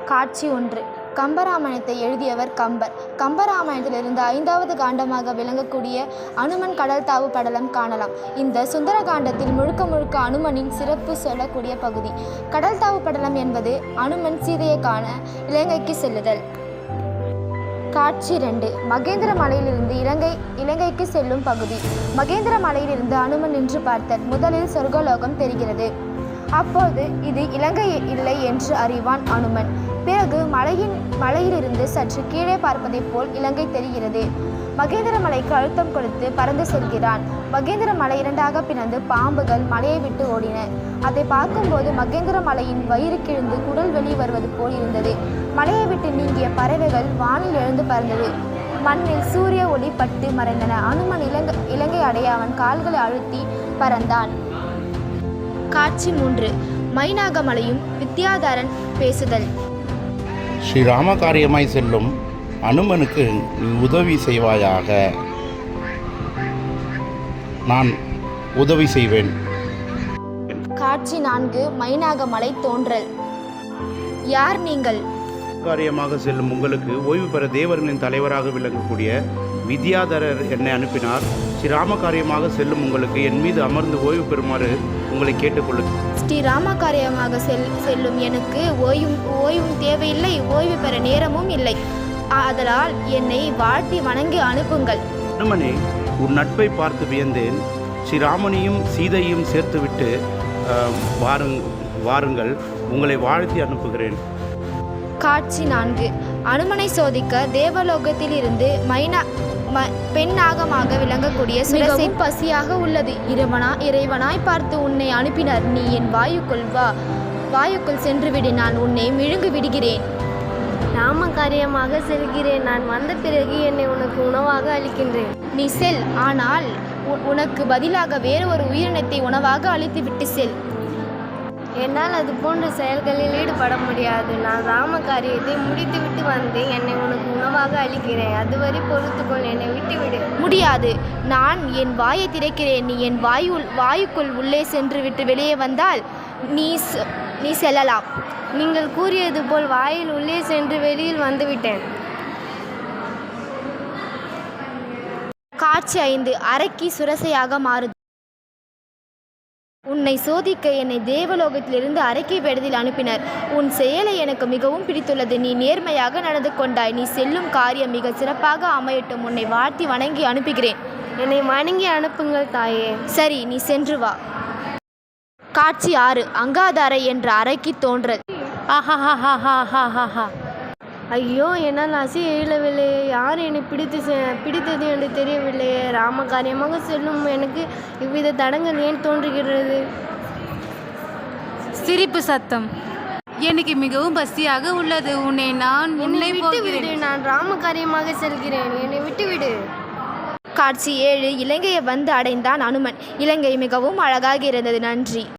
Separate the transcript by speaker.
Speaker 1: காட்சி 1. கம்பராமாயணத்தை எழுதியவர் கம்பர். கம்பராமாயணத்திலிருந்து 5வது காண்டமாக விளங்கக்கூடிய அனுமன் கடல் தாவு படலம் காணலாம். இந்த சுந்தர காண்டத்தில் முழுக்க முழுக்க அனுமனின் சிறப்பு சொல்லக்கூடிய பகுதி. கடல் தாவு படலம் என்பது அனுமன் சீதையை காண இலங்கைக்கு செல்லுதல். காட்சி 2. மகேந்திர மலையிலிருந்து இலங்கைக்கு செல்லும் பகுதி. மகேந்திர மலையிலிருந்து அனுமன் நின்று பார்த்தல். முதலில் சொர்க்கலோகம் தெரிகிறது. அப்போது இது இலங்கை இல்லை என்று அறிவான் அனுமன். பிறகு மலையிலிருந்து சற்று கீழே பார்ப்பதைப் போல் இலங்கை தெரிகிறது. மகேந்திர மலைக்கு அழுத்தம் கொடுத்து பறந்து செல்கிறான். மகேந்திர மலை 2ஆக பிளந்து பாம்புகள் மலையை விட்டு ஓடின. அதை பார்க்கும்போது மகேந்திர மலையின் வயிறு கிழிந்து குடல் வெளி வருவது போல் இருந்தது. மலையை விட்டு நீங்கிய பறவைகள் வானில் எழுந்து பறந்தது. மண்ணில் சூரிய ஒளி பட்டு மறைந்தன. அனுமன் இலங்கை அடைய அவன் கால்களை அழுத்தி பறந்தான். காட்சி 3. மைனாகமலையும் வித்யாதரன் பேசுதல்.
Speaker 2: ஸ்ரீராம காரியமாய் செல்லும் அனுமனுக்கு நீ உதவி செய்வாயாக. நான் உதவி செய்வேன்.
Speaker 1: காட்சி 4. மைனாகமலை தோன்றல். யார் நீங்கள்?
Speaker 2: காரியமாக செல்லும் உங்களுக்கு ஓய்வு பெற தேவர்களின் தலைவராக விளங்கக்கூடிய வித்யாதரர் என்னை அனுப்பினார். ஸ்ரீராம காரியமாக செல்லும் உங்களுக்கு என் மீது அமர்ந்து ஓய்வு பெறுமாறு உங்களை கேட்டுக்கொள்ளுங்கள்.
Speaker 1: ஸ்ரீராம காரியமாக செல்லும் எனக்கு ஓய்வும் தேவையில்லை, ஓய்வு பெற நேரமும் இல்லை. ஆதலால் என்னை வாழ்த்தி வணங்கி அனுப்புங்கள்.
Speaker 2: அனுமனே, உன் நட்பை பார்த்து வியந்தேன். ஸ்ரீராமனையும் சீதையும் சேர்த்துவிட்டு வாருங்கள், உங்களை வாழ்த்தி அனுப்புகிறேன்.
Speaker 1: காட்சி 4. அனுமனை சோதிக்க தேவலோகத்தில் இருந்து பெண்ணாகமாக விளங்கக்கூடிய சுரசை பசியாக உள்ளது. இறைவனாய் பார்த்து உன்னை அனுப்பினர். நீ என் வாயுக்குள் சென்று விடு, நான் உன்னை விழுங்கு விடுகிறேன்.
Speaker 3: ராம காரியமாக செல்கிறேன். நான் வந்த பிறகு என்னை உனக்கு உணவாக அளிக்கின்றேன்.
Speaker 1: நீ செல், ஆனால் உனக்கு பதிலாக வேறு ஒரு உயிரினத்தை உணவாக அளித்து விட்டு செல்.
Speaker 3: என்னால் அது போன்ற செயல்களில் ஈடுபட முடியாது. நான் ராம காரியத்தை முடித்துவிட்டு வந்து என்னை உனக்கு உணவாக அளிக்கிறேன். அதுவரை பொறுத்துக்கொள், என்னை விட்டுவிடு.
Speaker 1: முடியாது. நான் என் வாயை திறக்கிறேன். நீ என் வாயுக்குள் உள்ளே சென்று விட்டு வெளியே வந்தால் நீ செல்லலாம்.
Speaker 3: நீங்கள் கூறியது போல் வாயில் உள்ளே சென்று வெளியில் வந்துவிட்டேன்.
Speaker 1: காட்சி 5. அரக்கி சுரசையாக மாறுது. உன்னை சோதிக்க என்னை தேவலோகத்திலிருந்து அரக்கி வேடத்தில் அனுப்பினர். உன் செயலை எனக்கு மிகவும் பிடித்துள்ளது. நீ நேர்மையாக நடந்து கொண்டாய். நீ செல்லும் காரியம் மிக சிறப்பாக அமையட்டும். உன்னை வாழ்த்தி வணங்கி அனுப்புகிறேன்.
Speaker 3: என்னை வணங்கி அனுப்புங்கள் தாயே.
Speaker 1: சரி, நீ சென்று வா. காட்சி 6. அங்காதாரை என்ற அரக்கி தோன்றல்.
Speaker 3: ஐயோ, என்னால் அசைய இயலவில்லையே. யார் என்னை பிடித்தது என்று தெரியவில்லையே. ராம காரியமாக செல்லும் எனக்கு இவ்வித தடங்கள் ஏன் தோன்றுகிறது?
Speaker 4: சிரிப்பு சத்தம். எனக்கு மிகவும் பசியாக உள்ளது. உன்னை
Speaker 3: விட்டுவிடு. நான் ராம காரியமாக செல்கிறேன். என்னை விட்டுவிடு.
Speaker 1: காட்சி 7. இலங்கையை வந்து அடைந்தான் அனுமன். இலங்கை மிகவும் அழகாக இருந்தது. நன்றி.